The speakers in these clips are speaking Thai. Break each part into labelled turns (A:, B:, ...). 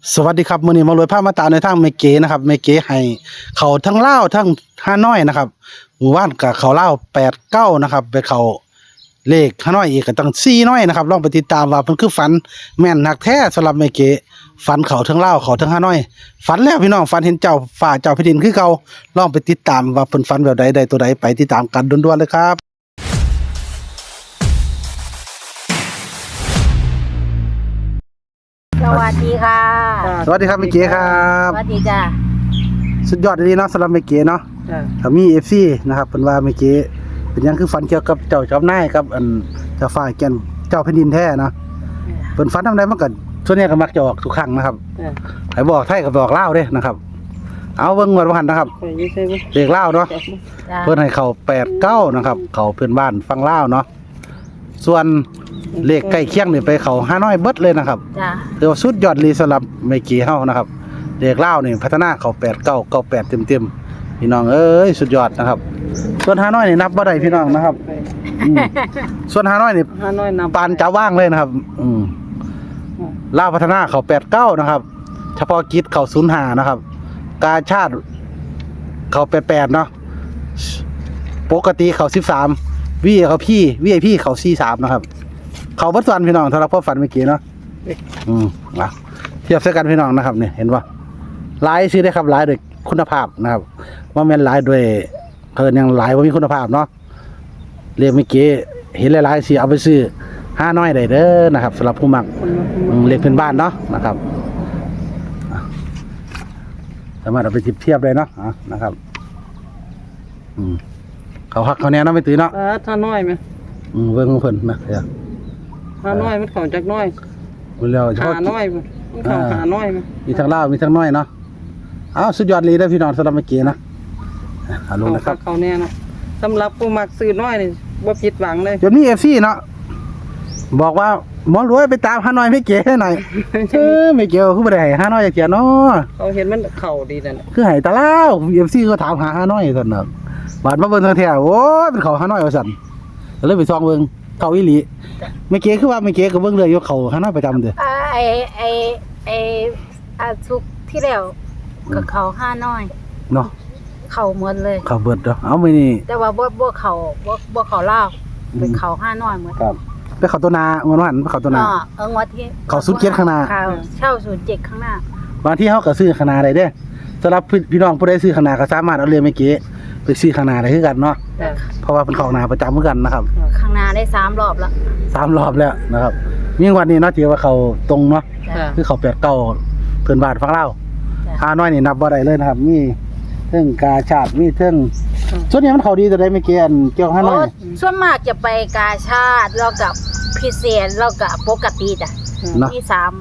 A: สวัสดีครับมื้อนี้มารวยภาพมาตามในทางแม่เก๋นะครับแม่เก๋ให้เขาทั้งลาวทั้งฮานอยนะครับหมู่บ้านกับเขาลาว89นะครับไปเขาเลขฮานอยอีกก็ตั้ง4น้อยนะครับลองไปติดตามว่าเพิ่นคือฝันแม่นนักแท้สำหรับแม่เก๋ฝันเขาทั้งลาวเขาทั้งฮานอยฝันแล้วพี่น้องฝันเห็นเจ้าฟ้าเจ้าแผ่นดินคือเก่าลองไปติดตามว่าเพิ่นฝันแบบใดได้ตัวใดไปติดตามกันด่วนๆเลยครับ
B: สวัสดีค่ะ
A: สวัสดีครับแม่เก๋ครับ
B: สวัสดีจ้า
A: สุดยอดดีเนาะสำหรับแม่เก๋เนาะถ้ามี FC นะครับเพิ่นว่าแม่เก๋เป็นหยังคือฝันเกี่ยวกับเจ้าจอมนายกับอันเจ้าฟ้าแก่นเจ้าแผ่นดินแท้เนาะเพิ่นฝันทำได้มันก็ส่วนใหญ่ก็มักจะออกทุกครั้งนะครับให้บอกไทยก็บอกลาวเด้นะครับเอาเบิ่งงวดว่าหั่นนะครับเลขลาวเนาะเพิ่นให้เข้า89นะครับเข้าเพื่อนบ้านฟังลาวเนาะส่วนเลขใกล้เคียงนี่ไปเข้าฮานอยเบิดเลยนะครับ
B: จ้า
A: ถือว่าสุดยอดเลยสำหรับแม่เก๋เฮานะครับเลขลาวนี่พัฒนาเข้า89 98เต็มๆพี่น้องเอ้ยสุดยอดนะครับส่วนฮานอยนี่นับบ่ได้พี่น้องนะครับส่วนฮานอยนี่ปานจะว่างเลยนะครับลาวพัฒนาเข้า89นะครับเฉพาะกิจเข้า05นะครับกาชาติเข้า88เนาะปกติเข้า13วีเข้าพี่ VIP เข้า43นะครับเข้าบ่ส่วนพี่น้องสำหรับพ่อฝันเมื่อกี้เนาะอ่ะเทียบใส่กันพี่น้องนะครับนี่เห็นบ่หลายซื้อได้ครับหลายด้วยคุณภาพนะครับว่าแม่นหลายด้วยเพิ่นยังหลายบ่มีคุณภาพเนาะเรียกเมื่อกี้เห็นหลายๆสิเอาไปซื้อ5น้อยได้เด้อนะครับสำหรับผู้มักเรียกเป็นบ้านเนาะนะครับสามารถเอาไปเทียบได้เนาะนะครับเขาฮักเขาแน่เนาะไม่ตื่นเนาะ
C: ถ้าน้อยไหม
A: เบิ่งเพิ่นนะเดี๋ยว
C: ถ้าน้อยมันเข้าจากน้อย
A: มันแล้วเฉพาะ
C: หาน้อยมันเข้าหาน้อยมั้ย
A: มีทั้งลาวมีทั้งน้อยเนาะสุดยอดเลยเด้อพี่น้องสำหรับเมื่อกี้นะลงนะครับ
C: เขาแน่นะสำหรับผู้มักซื้อน้อยนี่บ่ผิดหวังเลย
A: จนมี FC เนาะบอกว่าหมอรวยไปตามฮานอยไม่เก๋ให้หน่อยไม่เก๋คือบ่ได้ให้ฮานอยจักเที่ยเนาะ
C: เขาเห็นมันเข้าดีนั่น
A: คือให้ตะลาว FC ก็ถามหาฮานอยซั่นน่ะบาดมาเบิ่งแท้ๆโอ้ยเป็นเขาฮานอยว่าซั่นก็เลยไปส่องเบิ่งเขาอีหลีไม่เก๋คือว่าไม่เก๋ก็เบิ่งเลยอยู่เขาฮานอยประจำเด้อ
B: ทุกที่แล้วกับเขา5น้อย
A: เนาะ
B: เขาหมดเลย
A: เขาเบิดเนาะเอามื้อนี้
B: แต่ว่าบ่เขาลาวเป็นเขา5น้อยหมด
A: ครับไปเขาตัวนาเงินวันไปเขาตัวนา
B: งวดที่
A: เขา07ข้างหน้า
B: เช่า07ข้างหน้า
A: บางที่เฮาก็ซื้อข้างหน้าได้เด้อสำหรับพี่น้องผู้ใดซื้อข้างหน้าก็สามารถเอาเรียนเมื่อกี้ไปซื้อข้างหน้าได้คือกันเนาะเพราะว่าเป็นของหน้าประจำเหมือนกันนะครับ
B: ข้างหน้าได้3รอบแล้ว
A: 3รอบแล้วนะครับมีวันนี้เนาะที่ว่าเขาตรงเนาะคือเขา89เพิ่นบ้านฟังลาวน้อยนี่นับบ่ได้เลยนะครับมีเทิงกาชาติมีเทิงส่วนนี้มันเขาดีแต่ได้ไม่เกี่ยวเกี่ยวกับน้อย
B: ส่วนมากจะไปกาชาติแล้วกับพิเศษแล้วกับปกติจ้ะมี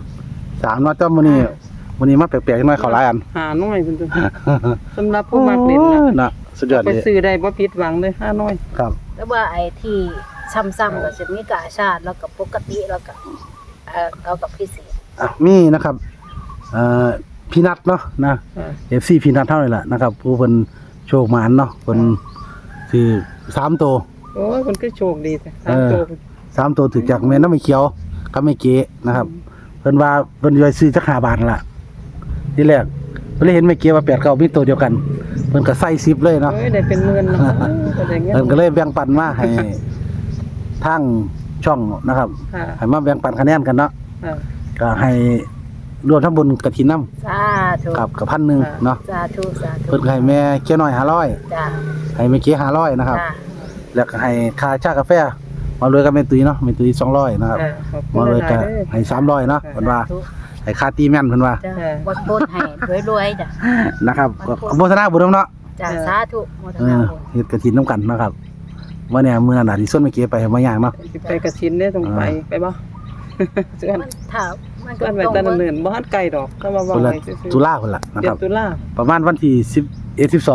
B: 3
A: เนาะจ้ามื้อนี้มาแปลกๆหน่อยเขาหลายอัน
C: หาน้อยเพิ่นตัวสำหรับผู้มักเล่น
A: นะสุดยอดเลย
C: ไปซื้อได้บ่ผิดหวังเลย5น้อย
A: ครับ
B: แล้วว่าไอ้ที่ซ้ำๆก็จะมีกาชาติแล้วกับปกติแล้วกับพิเศษ
A: มีนะครับพี่นัทเนาะนะ FC พี่นัทเท่าไหร่ล่ะนะครับผู้เพิ่นโชคหมานเนาะเพิ่นถือ3ตัว
C: โอ้ยเพิ่นคือโชคดีแต่3ตัว
A: 3ตัวถือจากแม่น้ำไม่เขียวกับไม่เก๋นะครับเพิ่นว่าเพิ่นย่อยซื้อจัก5 บาทล่ะทีแรกเพิ่นเลยเห็นไม่เก๋ว่า89มีตัวเดียวกันเพิ่นก็ใส่10เลยเนาะ
C: ได้เป็นหมื่นเนาะ
A: เพิ่นก็เลยแบ่งปันมาให้ทางช่องนะครับให้มาแบ่งปันคะแนนกันเนาะก็ให้รวมทั้งบุญกฐินน้
B: ำสาธุ
A: กับ1,000เนาะ
B: สาธุ
A: เพิ่นให้แม่เก๋น้อย500
B: จ้ะ
A: ให้แม่เก๋500นะครับแล้วก็ให้ค่าชากาแฟมารวยกับแม่ตุ้ยเนาะแม่ตุ้ย200นะครับมารวยก็ให้300เนาะเพิ่นว่าให้ค่าตีแม่นเพิ่นว่า
B: บ่ให้รวยๆจ้ะ
A: นะครับโมทนาบุญเนาะ
B: จ้ะสาธุโมทนาบุญ
A: เฮ็ดกฐินนำกันนะครับมื้อนี้มื้อนั้นน่ะที่ส่วนแม่เก๋ไปมาย่างเนาะ
C: สิไปกฐินเด้ต้องไปบ่
B: ส่วนถ้า
C: มันก็ไปตะเนินบ่ฮัดไกลดอกก็ว่า
A: ไว้ตุลาพุ่นล่ะนะครับ
C: ตุลา
A: ประมาณวันที่11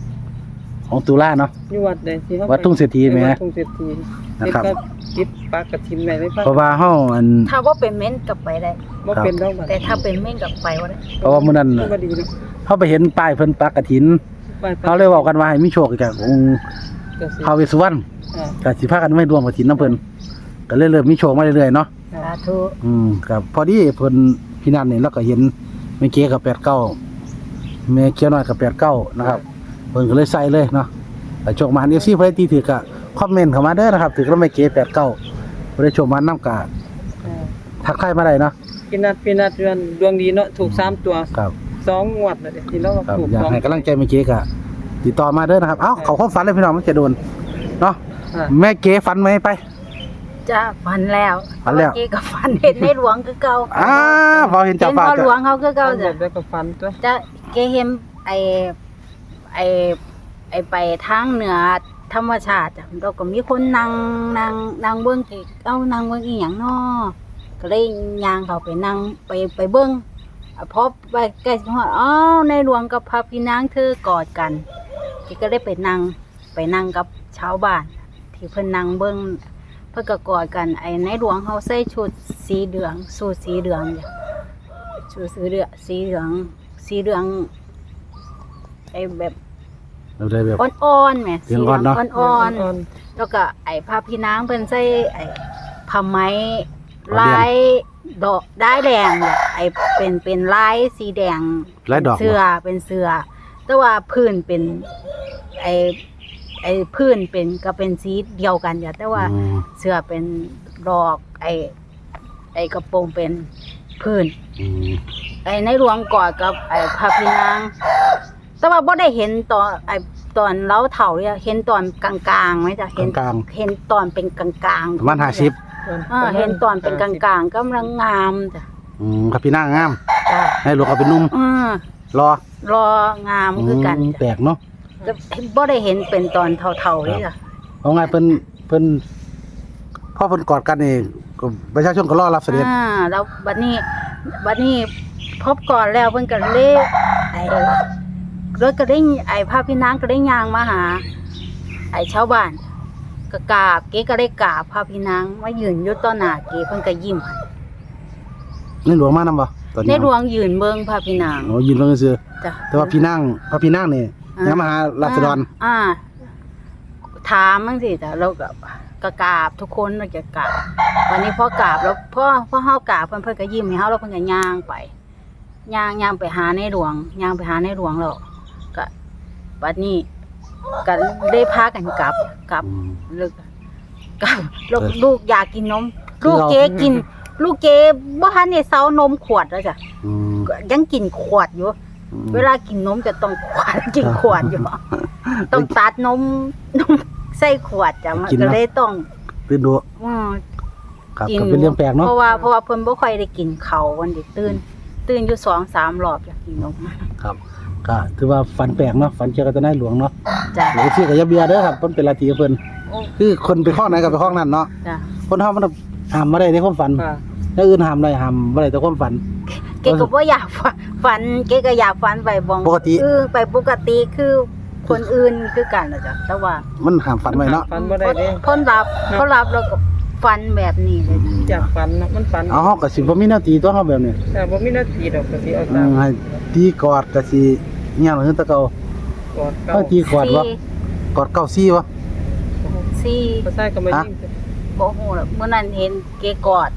A: 12ของตุลาเนาะ
C: อยู่วัดใดที่เฮา
A: วัดทุ่งเศรษฐีแม่
C: ทุ่งเศรษฐี
A: นะครับ
C: จิตปากกฐินไว้เลย
A: เพราะว่าเฮา
B: ถ้าว่าเป็นเม่นกลับไปได้
C: บ่เป็นดอก
B: แต่ถ้าเป็นเม่นกลับไปบ่ได้
A: เพราะว่ามื้อนั้นเฮาไปเห็นป้ายเพิ่นปากกฐินเฮาเลยเว้ากันว่าให้มีโชคจากองค์ท้าวเวสสุวรรณก็สิพากันไม่ร่วมกฐินนำเพิ่นก็เลยเริ่มมีโชคมาเรื่อยๆเนาะ
B: สาธุ
A: ครับพอดีเพิ่นพี่นันนี่เราก็เห็นแม่เก๋กับ89แม่เขียวน้อยกับ89นะครับเพิ่นก็เลยใส่เลยเนาะแต่โชคมาFCเพิ่นตีถือก็คอมเมนต์เข้ามาเด้อนะครับถือแล้วแม่เก๋89บ่ได้โชคมานำกะทักทายมาได้เนาะ
C: พี่นัดดวงดีเนาะถูก3ตัว
A: ครับ
C: 2งวดแล้วเด้ที่เรา
A: ครับ
C: ถูก
A: อยาก
C: 2
A: ให้กำลังใจแม่เก๋กะติดต่อมาเด้อนะครับเอ้าเขาความฝันเลยพี่น้องมันจะโดนเนาะ
C: ค่ะ
A: แม่เก๋ฝันไหมไป
B: จ้าฝันแล้ว
A: ฝันแล้ว
B: เมื่อกี้ก็ฝันเห็นในหลวงคือเก่า
A: พอเห็น
B: เห็
A: เจ้าน ฟ้า
B: พ่อหลวงเขาคือ
C: เก่า
B: เก่า
C: แบ
B: จ้ะ
C: บแล้วก็ฟันตัว
B: จะเกเห็นไอไปทางเหนือธรรมชาติจ้ะเราก็มีคนนั่งเบิ้งเกนั่งเบิ้งอีหยังน้อก็เลยย่างเขาไปนั่งไปเบิ้งพอไปใกล้ฮอดอ้าวในหลวงกับพระพี่นางเธอกอดกันก็ได้ไปนั่งกับชาวบ้าน ที่เพิ่นนั่งเบิ้งเพิ่นก็กอดกันในหลวงเขาใส่ชุดสีเหลืองสูทสีเหลืองจ้ะชุดสีเหลืองแบบ
A: เราได้แบบ
B: อ่อนๆแหม
A: สีเหลืองอ่อนเนอะ
B: อ่อนๆแล้วก็พระพี่นางเพิ่นใส่ผ้าไหมลายดอกได้ายแดงเนี่ยเป็นลายสีแดง
A: ลายดอก
B: เสื้อเป็นเสื้อแต่ว่าพื้นเป็นพื้นเป็นก็เป็นสีเดียวกันจ้ะแต่ว่า
A: อืม
B: เสื้อเป็นดอกกระโปรงเป็นพื้น
A: อืม
B: ในหลวงกอดกับพระพี่นางแต่ว่าบ่ได้เห็นตอนเล้าเฒ่าเนี่ยเห็นตอนกลางๆไหมจ้ะเห็น
A: กลาง
B: เห็นตอนเป็นกลางๆ
A: ประมาณ50
B: เห็นตอนเป็นกลางๆกำลังงามจ้ะ
A: ครับพี่นางงาม
B: จ้ะ
A: ให้หลวงเขาเป็นหนุ่มรอ
B: รองามคือกัน
A: แปลกเนาะ
B: แต่บ่ได้เห็นเป็นตอนเฒ่าๆเลยจ้ะ
A: เอาไงเพิ่นพ่อเพิ่นกอดกันนี่ก็ประชาชนก็รอรับเสด็จ
B: แล้วบัดนี้พบก่อนแล้วเพิ่นก็เลยรถก็ได้พาพี่นางก็ได้ย่างมาหาชาวบ้านก็กราบเก๋ก็ได้กราบพาพี่นางมายืนอยู่ต่อหน้าเก๋เพิ่นก็ยิ้มให้
A: ในหลวงมานำบ่ตอน
B: ใน
A: นี้
B: หลวงยืนเบิ่งพาพี่นาง
A: โอ้ยินเพิ่นซื่อ
B: จ้ะ
A: แต่ว่าพี่นางพระพี่นางนี่ยังมาหาราษฎร
B: ถามจังซี่จ้ะเราก็กราบทุกคนเราจะกราบวันนี้พอกราบแล้วพอเฮากราบเพิ่นก็ยิ้มให้เฮาแล้วเพิ่นก็ย่างไปย่างไปหาในหลวงแล้วก็บัดนี้ก็ได้พากันกลับ
A: อืม
B: ลูกลูกอยากกินนม
A: คือ
B: ลูก
A: เรา
B: เก๋กิน ลูกเก๋บ่ทันได้เซานมขวดแล้วจ้ะ
A: อืม
B: ยังกินขวดอยู่ เวลากินนมจะต้องขวดกินขวดอยู่ ต้องตัดนมใส่ขวดจ้ะมันก็เลยต้อง
A: ตื่นดู
B: อือ
A: ครับ
B: กิน
A: ก็เป็นเรื่องแปลกเนาะ
B: เพราะว่าเพิ่นบ่ค่อยได้กินข้าววันนี้ตื่นอยู่ 2-3 รอบจ้ะกินนม
A: ครับก็ถือว่าฝันแปลกเนาะฝันเกี่ยวกับตะไนหลวงเนาะ
B: จ้ะ
A: หรือที่กับยาเบียเด้อครับเพิ่นเป็นลัทธิของเพิ่น
B: โอ้
A: คือคนไปข้อไหนก็ไปข้อนั้นเนาะ
B: จ้ะ
A: คนเฮามันห้ามบ่ได้ในความฝัน
C: ค่ะ
A: แล้วอื่นห้ามได้ห้ามบ่ได้แต่ความฝัน
B: เก๋ก็บ่อยากฝันเก๋ก็อยากฝันไปบ่ง
A: ปกติ
B: ไปปกติคือคนอื่นคือกันน่ะจ้ะแต่ว่า
A: มันห้ามฝันไว้เนาะ
C: ฟันบ่ได้เด้
B: คนรับเขารับแล้วก็ฝันแบบนี้เลย
C: อยากฟันเนาะมันฟัน
A: เอาเฮาก็สิบ่มีหน้าที่ตัวเฮาแบบนี้
C: แต่บ่มีหน้าที่ดอกก็สิเอาตาม
A: ให้ตีกอดก็สิเงี้ยคือแตะเก่าก
C: อดเก่า
A: เฮาตีกอดบ่กอดเก้าซี่บ่
B: สี่
C: บ่ใช่ก็มายิง
B: บ่ฮู้ล่ะเมื่อนั้นเห็นเก๋กอด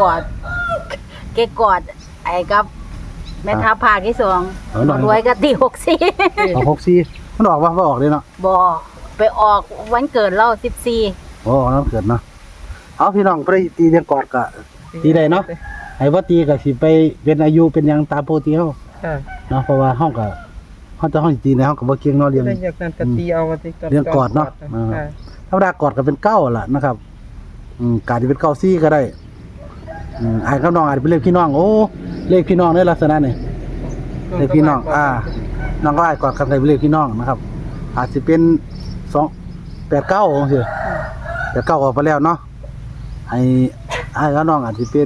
B: ไอ้กับแม่ทัพภาคที่2บ่รวยก็ตี64
A: เอา6ซี่มันออกบ่ออกเด้เนาะ
B: บ่ไปออกวันเกิดเรา14
A: โอ้น้ำเกิดเนาะเอาพี่น้องไปตีเรียงกอดก็ตีได้เนาะให้บ่ตีก็สิไปเป็นอายุเป็นหยังตามปกติเฮา
C: ค่ะ
A: เนาะเพราะว่าเฮาก็เฮาจะเฮาสิตีในเฮาก็บ่เก่งเนาะเรียง
C: ได้อยากนั้นก็ตีเอาว่าสิ
A: เรื่องกอดเนาะ
C: ค่ะ
A: ธรรมดากอดก็เป็นเก้าล่ะนะครับการที่เป็นเก้าซี่ก็ได้อ้ายกับน้องอาจจะเป็นเลขพี่น้องโอ้เลขพี่น้องในลักษณะนี่เลขพี่น้องน้องก็อ้ายกอดกันได้เป็นเลขพี่น้องนะครับ อาจจะเป็น289จังซี่89ออกไปแล้วเนาะให้อ้ายกับน้องอาจจะเป็น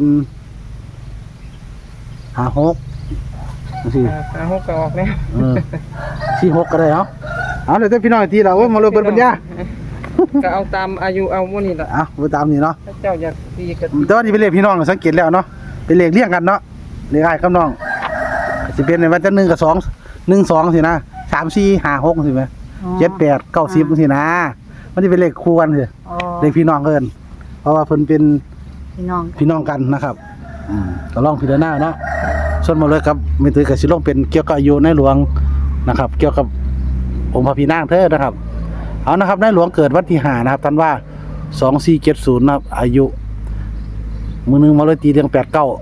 A: 56จังซี่
C: หาหกก็ออกแล้ว
A: 46ก็ได้เอาเดี๋ยวแต่พี่น้องอีกทีล่ะโอ้ยมาเลยเปิดปัญญา
C: ก็เอาตามอายุเอาหมู่นี่ล่ะ
A: ไปตามนี่เนาะ
C: ถ้าเจ้าอยากตีก็
A: แต่ว่านี่เป็นเลขพี่น้องสังเกตแล้วเนาะเป็นเลขเรียงกันเนาะเลขอ้ายกับน้องสิเป็นในวันจะ1กับ2 1 2สินะ3 4 5 6สิแม่7 8 9 10สินะมันสิเป็นเลขคู่กันสิ
B: อ๋อ
A: เลขพี่น้องเอิ้นเพราะว่าเพิ่นเป็น
B: พี่น้อง
A: พี่น้องกันนะครับก็ลองพิจารณาเนาะส่วนหมดเลยครับไม่ตื้อกับสิลงเป็นเกี่ยวกับอายุในหลวงนะครับ เกี่ยวกับองค์พระพี่นางเธอนะครับเอานะครับในหลวงเกิดวันที่5นะครับท่านว่า2470นะครับอายุมื้อนึงมาเลยตีเรียง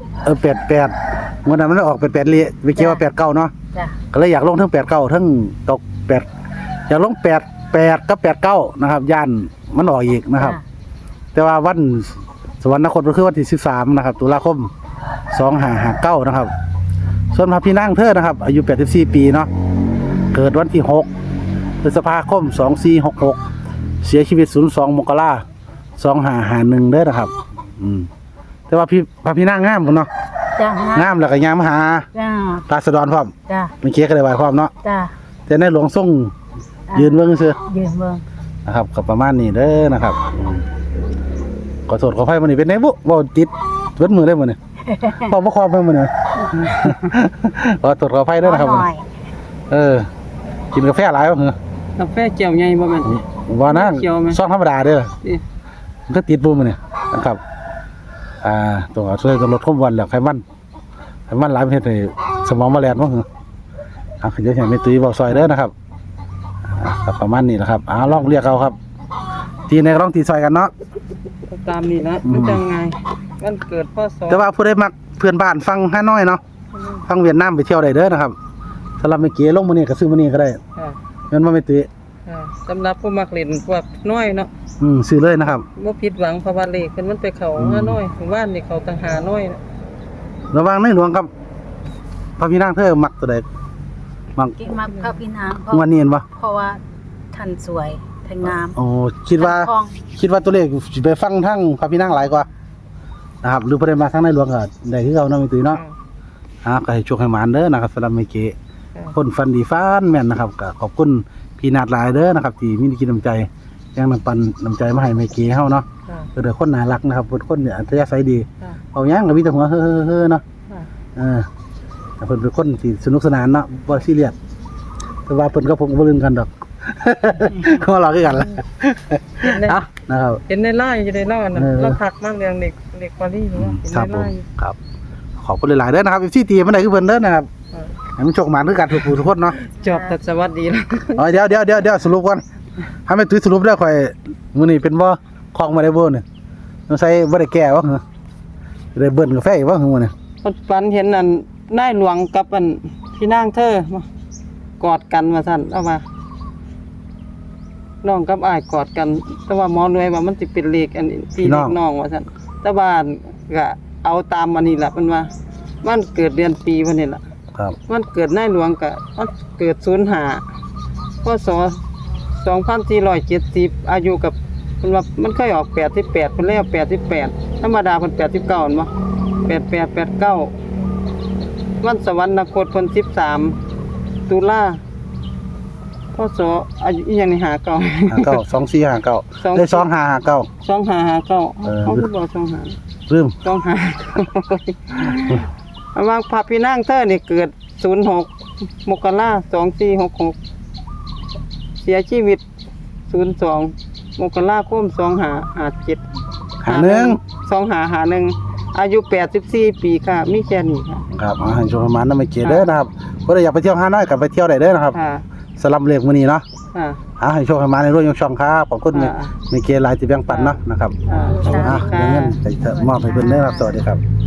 A: 8988มื้อนั้นมันออก88เลยไปเกี่ยวว่า89เนาะ
B: จ้ะ
A: ก็เลยอยากลงทั้ง89ทั้ง98อยากลง88กับ89นะครับย่านมันออกอีกนะครับ แต่ว่าวันสวรรคตก็คือวันที่13นะครับตุลาคม2559นะครับส่วนพระพี่นางเธอนะครับอายุ84ปีเนาะเกิดวันที่6พฤษภาคม2466เสียชีวิต02มกราคม2551เด้อนะครับแต่ว่าพระพี่นางงามพุ่นเนาะ
B: จ้ะ
A: งามแล้วก็ยามมาหา
B: จ้ะ
A: ราษฎรพร้อม
B: จ้ะ
A: เมื่อกี้ก็ได้ไหว้พร้อมเนาะ
B: จ้ะ
A: แต่ในหลวงทรงยืนเบิ่งซื่อ
B: ยืนเบิ่ง
A: นะครับก็ประมาณนี้เด้อนะครับขอโทษขออภัยมื้อนี้เป็นไงบุบ่ติดเบิดมือได้มื้อนี้ บ่คอไปมื้อนี้ ขอโทษขออภัยเด้อนะครับ
B: หน่อย
A: กินกาแฟหลายบ่เหรอก
C: าแฟแก้วใหญ่บ่แม่น
A: บ่นะ
C: เขียวไหม
A: ซองธรรมดาเด้อ
C: นี่
A: มันก็ติดบ่มื้อนี้นะครับต้องเอาช่วยลดความอ้วนแล้วไขมันหลายประเภทให้สมองมาแล่นบ่เหรอเดี๋ยวให้แม่ตุ้ยเว้าซอยเด้อนะครับก็ประมาณนี้แหละครับลองเรียกเอาครับทีในลองตีซอยกันเนาะ
C: ตามนี้นะมันจังไงวันเกิดพศ
A: แต่ว่าผู้ใดมักเพื่อนบ้านฟังฮานอยเนาะฟังเวียดนามไปเที่ยวได้เด้อนะครับสำหรับเมื่อกี้ลงมื้อนี้ก็ซื้อมื้อนี้ก็ได้
C: ค่ะ
A: เงินบ่แม่ตุ้ย
C: ค่ะสำหรับผู้มักเล่นพวกน้อยเนาะ
A: ซื้อเลยนะครับ
C: บ่ผิดหวังเพราะว่าเลขเพิ่นมันไปเข้าหาน้อยว่านนี่เขาต่างหาน้อยนะ
A: ระหว่างในหลวงกับพระพี่นางเธอมักตัวใดมัก
B: กิ๊กมักพระพี่นาง
A: งวดนี้เห็นบ่
B: เพราะว่าท่านสวยท่านงาม
A: โอ้คิดว่า
B: ท่นคล่อง
A: ตัวเลขสิไปฟังทั้งพระพี่นางหลายกว่านะครับหรือบ่ได้มาทั้งในหลวงก็ได้คือเก่าเนาะแม่ตุ้ยเนาะก็ให้โชคให้หมานเด้อนะครับสำหรับเมื่อกี้ คนฟันดีฟันแม่นนะครับก็ขอบคุณพี่นาดหลายเด้อนะครับที่มีน้ำใจยังนำปันน้ำใจมาให้เมื่อกี้เฮาเนาะ
C: ค่ะ
A: เด้อคนน่ารักนะครับเป็นคนเนี่ยอัธยาศัยดี
C: ค่ะ
A: เอาหยังก็มีแต่หัวเฮ้อๆเนาะ
C: ค่ะ
A: แต่เพิ่นเป็นคนที่สนุกสนานเนาะบ่ซีเรียสแต่ว่าเพิ่นก็ผมก็บ่ลืมกันดอก เขามาหลอกคือกันล่ะ
C: เห็นใน
A: อ่ะนะครับ
C: เห็นในไลน์อยู่ในไลน์น่ะ
A: เออ
C: เราทักมากเรื่องเด็กปารีสเนาะเห็น
A: ครับ
C: ใน
A: ผ
C: ไล
A: ม
C: น์
A: ครับขอบคุณหลายๆเด้อนะครับที่ตีมันได้คือเพิ่นเด้อนะครับ
C: ค่ะ
A: ให้มันโชคหมานคือกันทุกผู้ทุกคนเนาะ
C: จบแต่สวัสดีแล้ว
A: เดี๋ยวสรุปก่อนถ้าไม่ตุ้ยสรุปได้ค่อยมื้อนี้เป็นบ่ของมาได้บ่เนี่ยต้องใส่บ่ได้แก้บ่เหรอได้เบิ่นกาแฟอีกบ่เหรอมื้อนี้
C: ฝันเห็นอันนายหลวงกับอันพี่นางเธอมากอดกันว่าซั่นเอามาน้องกับอ้ายกอดกัน แต่ว่าหมอรวยว่ามันสิเป็นเลขอันพี่เลขน้องว่าซั่นแต่ว่าก็เอาตามอันนี้ล่ะมันว่ามันเกิดเดือนปีวันนี้ล่ะ
A: ครับ
C: มันเกิดนายหลวงก็มันเกิด05พศ2470อายุกับเพิ่นว่ามันเคยออก88เพิ่นเลยเอา88ธรรมดาเพิ่น89แม่นบ่88 89วันสวรรคตเพิ่น13ตุลาพศอายุอีหยังนี่
A: 59 2459ได้2559
C: 2559เขาคือบ่25
A: ลืม
C: 25ระหว่างพระพี่นางเธอนี่เกิด06มกราคม2466เสียชีวิต02มกราคม2557 2551อายุ84ปีค่ะมีแค่นี้ค่ะ
A: ครับให้โชคให้หมานนำไปเกเด้อนะครับบ่ได้อยากไปเที่ยวฮานอยก็ไปเที่ยวได้เด้อนะครับ
C: ค่ะ
A: สลับเลขมื้อนี้เนาะ
C: ค่ะ
A: ให้โชคให้หมานในร่วมยกช่องครับขอบคุณ
C: ค่ะ
A: ในเกหลายที่แบ่งปันเนาะนะครับ
C: ค่ะ
A: เดี๋ยวเงินจะมอบให้เพิ่นเด้อครับสวัสดีครับ